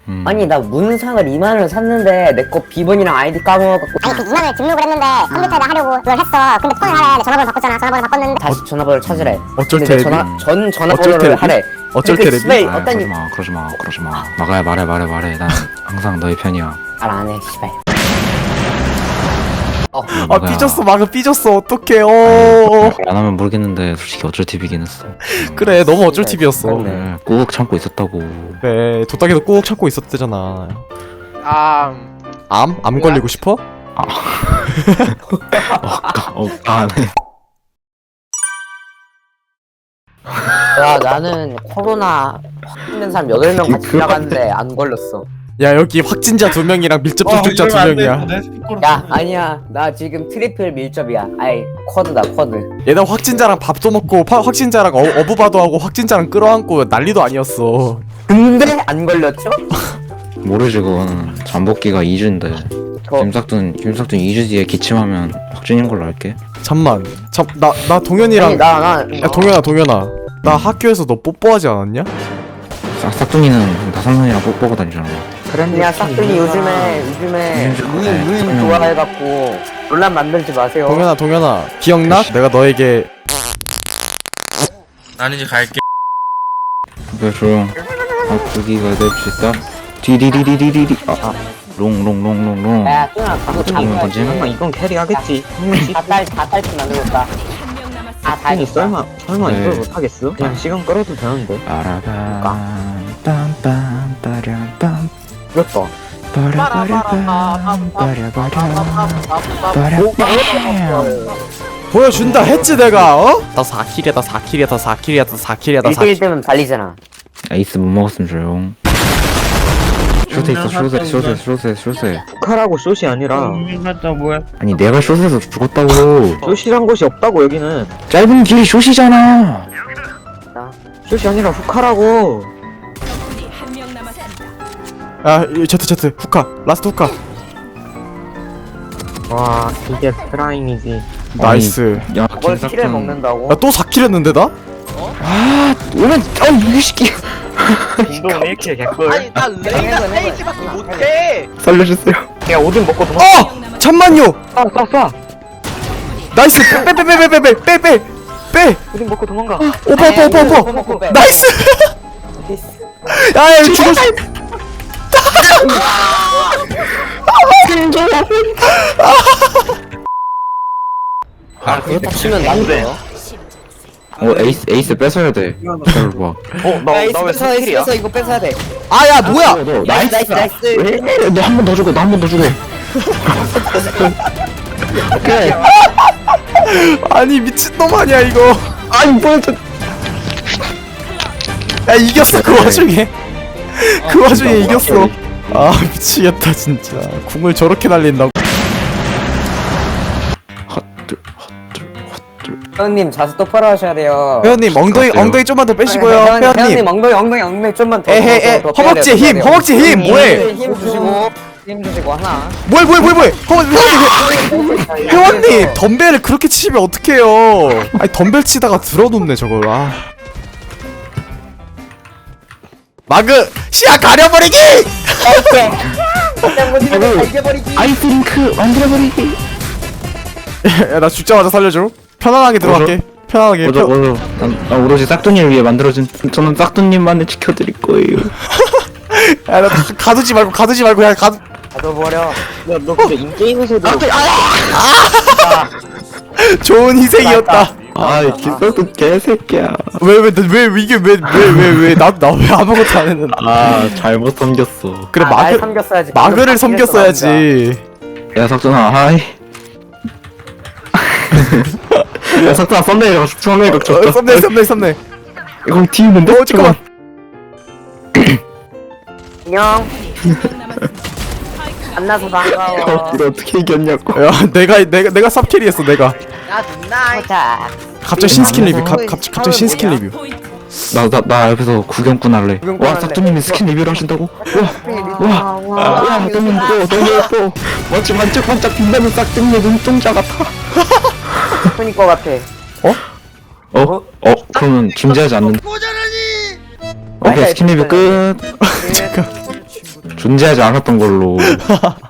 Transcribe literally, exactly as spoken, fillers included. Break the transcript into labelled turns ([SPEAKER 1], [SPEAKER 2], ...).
[SPEAKER 1] 음.
[SPEAKER 2] 아니 나 문상을 이만 원을 샀는데 내 거 비번이랑 아이디 까먹어갖고
[SPEAKER 3] 아니 그 이만 원을 등록을 했는데 컴퓨터에다 하려고 그걸 했어. 근데 폰을 하래. 전화번호 바꿨잖아. 전화번호 바꿨는데
[SPEAKER 2] 다시 전화번호를 찾으래.
[SPEAKER 1] 어쩔
[SPEAKER 2] 근데 내
[SPEAKER 1] 테레비?
[SPEAKER 2] 전화 전
[SPEAKER 1] 어쩔
[SPEAKER 2] 전화번호를
[SPEAKER 1] 테레비?
[SPEAKER 2] 하래.
[SPEAKER 1] 어쩔
[SPEAKER 2] 근데 그
[SPEAKER 1] 테레비?
[SPEAKER 2] 씨발
[SPEAKER 1] 아,
[SPEAKER 2] 어떤
[SPEAKER 1] 그러지 마, 그러지 마, 그러지 마. 막아야 말해, 말해, 말해. 난 항상 너의 편이야.
[SPEAKER 2] 말 안 해, 씨발. 어,
[SPEAKER 1] 아
[SPEAKER 4] 막아야.
[SPEAKER 1] 삐졌어, 마그 삐졌어. 어떡해. 어.
[SPEAKER 4] 안 하면 모르겠는데 솔직히 어쩔 팁이긴 했어.
[SPEAKER 1] 그래, 너무 어쩔 팁이었어.
[SPEAKER 2] 그래.
[SPEAKER 4] 그래, 꾹 참고 있었다고.
[SPEAKER 1] 그래, 도딱이도 꾹 참고 있었대잖아.
[SPEAKER 5] 아,
[SPEAKER 1] 암? 암 걸리고 싶어?
[SPEAKER 4] 어, 어, 아, 네.
[SPEAKER 2] 야 나는 코로나 확진된 사람 여덟 명 같이 지나갔는데 안 걸렸어.
[SPEAKER 1] 야, 여기 확진자 두 명이랑 밀접 접촉자 두 명이야.
[SPEAKER 2] 야 아니야 나 지금 트리플 밀접이야. 아이 쿼드다 쿼드.
[SPEAKER 1] 얘는 확진자랑 밥도 먹고 파, 확진자랑 어, 어부바도 하고 확진자랑 끌어안고 난리도 아니었어.
[SPEAKER 2] 근데 안 걸렸죠?
[SPEAKER 4] 모르지 그거는. 잠복기가 이 주인데.
[SPEAKER 2] 저
[SPEAKER 4] 김삭둔, 김삭둔 이 주 뒤에 기침하면 확진인 걸로 알게.
[SPEAKER 1] 잠만. 잠, 나, 나 동현이랑.
[SPEAKER 2] 아니 나나
[SPEAKER 1] 야, 동현아, 동현아. 나 학교에서 너 뽀뽀하지 않았냐?
[SPEAKER 4] 싹, 싹둥이는 나삼촌이랑 뽀뽀하고 다니잖아.
[SPEAKER 2] 그냥 싹둥이 요즘에 요즘에
[SPEAKER 4] 요즘
[SPEAKER 2] 루인
[SPEAKER 4] 좋네.
[SPEAKER 2] 루인
[SPEAKER 4] 싹둥이.
[SPEAKER 2] 좋아해갖고 논란 만들지 마세요.
[SPEAKER 1] 동현아, 동현아. 기억나? 내가 너에게.
[SPEAKER 5] 나는 이제 갈게.
[SPEAKER 4] 그래 조용. 아 거기가 될 수 있어? 디디디디디디디. 아, 아. 롱롱롱롱롱.
[SPEAKER 2] 야 뚱아 그거 다
[SPEAKER 4] 이건 던지?
[SPEAKER 2] 딸
[SPEAKER 6] 이건 캐리하겠지.
[SPEAKER 2] 다 딸치 만들었다. 아다
[SPEAKER 6] 아니 설마 설마
[SPEAKER 4] 네.
[SPEAKER 6] 이걸 못하겠어? 그냥 시간 끌어도 되는데.
[SPEAKER 4] 빠라밤 빰빰 빠라밤
[SPEAKER 2] 그렇다.
[SPEAKER 4] 빠라바라밤 빠라바람 빠라밤.
[SPEAKER 1] 보여준다 했지, 내가, 어? 나 사 킬이야, 사 킬이야, 사 킬이야, 사 킬이야, 사
[SPEAKER 2] 일 대일
[SPEAKER 1] 킬.
[SPEAKER 2] 때면 달리잖아.
[SPEAKER 4] 에이스 못 먹었으면 조용. 숏에 있어 숏에 숏에 숏에 숏에.
[SPEAKER 6] 카라고 숏이 아니라
[SPEAKER 5] 갔다 뭐야?
[SPEAKER 4] 아니 내가 숏에서 죽었다고.
[SPEAKER 6] 숏이란 곳이 없다고 여기는.
[SPEAKER 4] 짧은 길이 숏이잖아.
[SPEAKER 6] 숏이 아니라 후카라고.
[SPEAKER 1] 야, 이 제트, 제트. 후카. 라스트 후카.
[SPEAKER 6] 와 이게 프라임이지.
[SPEAKER 1] 나이스.
[SPEAKER 4] 야
[SPEAKER 2] 뭘 키를
[SPEAKER 4] 김삭둔.
[SPEAKER 2] 먹는다고?
[SPEAKER 1] 야, 또 사 킬 했는데, 나?
[SPEAKER 4] 아 오면 아 이거 시키.
[SPEAKER 6] 운동 일 킬 개꿀.
[SPEAKER 5] 아니 나 레이나 페이지밖에 못해.
[SPEAKER 4] 살려주세요.
[SPEAKER 6] 그냥 오딘 먹고 도망.
[SPEAKER 1] 어! 잠만요!
[SPEAKER 6] 쏴 쏴 쏴.
[SPEAKER 1] 나이스! 빼, 빼, 빼, 빼, 빼, 빼, 빼, 빼! 빼!
[SPEAKER 6] 오딘 먹고 도망가.
[SPEAKER 1] 오빠, 오빠, 오빠, 오빠!
[SPEAKER 2] 먹고 빼.
[SPEAKER 1] 나이스! 야, 야, 이거 죽었어!
[SPEAKER 2] 아 그렇다 치면 난데요?
[SPEAKER 4] 어 에이스 에이스 뺏어야 돼. 기다려봐.
[SPEAKER 2] 나나왜 스킬이야? 뺏어 이거 뺏어야 돼.
[SPEAKER 1] 아, 야, 뭐야!
[SPEAKER 4] 너
[SPEAKER 2] 나이스 나이스 나이스.
[SPEAKER 4] 너한 번 더 주고 나 한 번 더 주고. 오케이.
[SPEAKER 1] 아니, 미친놈 아니야, 이거.
[SPEAKER 4] 아니 뭐야 저.
[SPEAKER 1] 야, 이겼어, 그 와중에. 그 와중에 이겼어. 아, 미치겠다, 진짜. 궁을 저렇게 날린다고.
[SPEAKER 4] 헛들 헛들 헛들.
[SPEAKER 2] 회원님 자세 똑바로 하셔야 돼요.
[SPEAKER 1] 회원님, 엉덩이,
[SPEAKER 4] 어때요?
[SPEAKER 1] 엉덩이 좀만 더 빼시고요,
[SPEAKER 2] 회원님,
[SPEAKER 1] 회원님.
[SPEAKER 2] 회원님 엉덩이 엉덩이 엉덩이 좀만 더.
[SPEAKER 1] 에헤에,
[SPEAKER 2] 더, 더 빼야
[SPEAKER 1] 허벅지
[SPEAKER 2] 돼요, 더
[SPEAKER 1] 힘,
[SPEAKER 2] 빼야 돼요.
[SPEAKER 1] 허벅지 힘, 뭐해?
[SPEAKER 2] 힘 주시고 힘 주시고 하나.
[SPEAKER 1] 뭐해, 뭐해, 뭐해, 뭐해? 허벅지, 회원님, 회원님, 덤벨을 그렇게 치면 어떡해요? 아니, 덤벨 치다가 들어눕네, 저걸, 아. 마그, 시야 가려버리기!
[SPEAKER 2] 이겨버리기.
[SPEAKER 4] 아이스링크 만들어버리기.
[SPEAKER 1] 야, 나 죽자마자 살려줘. 편안하게 들어갈게. 편안하게.
[SPEAKER 4] 맞아
[SPEAKER 1] 편...
[SPEAKER 4] 맞아. 난, 난 오로지 싹둥이를 위해 만들어진. 저는 싹둥님만을 지켜드릴 거예요.
[SPEAKER 1] 야, 나 가두지 말고, 가두지 말고, 야, 가두.
[SPEAKER 2] 가둬버려.
[SPEAKER 6] 야너 근데 인게임에서도
[SPEAKER 1] 좋은 희생이었다.
[SPEAKER 4] 아이 김삭둔 개새끼야.
[SPEAKER 1] 왜, 왜, 왜, 왜, 이게 왜, 왜, 왜, 왜, 나, 나 왜 아무것도 안 했는데.
[SPEAKER 4] 아 잘못 섬겼어.
[SPEAKER 1] 그래,
[SPEAKER 2] 아, 날
[SPEAKER 1] 마그,
[SPEAKER 2] 섬겼어야지.
[SPEAKER 1] 마그를
[SPEAKER 2] 방금 다
[SPEAKER 1] 섬겼어야지.
[SPEAKER 4] 야 석준아 하이. 야 석준아 썸네일 썸네일
[SPEAKER 1] 어,
[SPEAKER 4] 줬다.
[SPEAKER 1] 썸네, 썸네, 썸네.
[SPEAKER 4] 이거 뒤있는데?
[SPEAKER 1] 어, 잠깐만.
[SPEAKER 2] 안녕. 만나서 반가워.
[SPEAKER 4] 이거 어떻게 이겼냐고.
[SPEAKER 1] 야, 내가, 내가, 내가 쌉캐리 했어, 내가.
[SPEAKER 5] 나이.
[SPEAKER 2] 자.
[SPEAKER 1] 갑자기 신스킨 리뷰, 갑, 갑, 갑자기 신스킨 리뷰.
[SPEAKER 4] 나 나 나 옆에서 구경꾼 할래.
[SPEAKER 2] 구경꾼
[SPEAKER 4] 와
[SPEAKER 2] 할래.
[SPEAKER 4] 싹둥님이 스킨 리뷰를 하신다고? 와. 와, 싹둥님 또 너무 예뻐. 멋지 반짝반짝 빛나는 싹둥이의 눈동자 같아.
[SPEAKER 2] 스푼일 것 같아.
[SPEAKER 4] 어? 어? 그러면 김제하지 않는. 오케이 스킨 리뷰 끝.
[SPEAKER 1] 잠깐.
[SPEAKER 4] 존재하지 않았던 걸로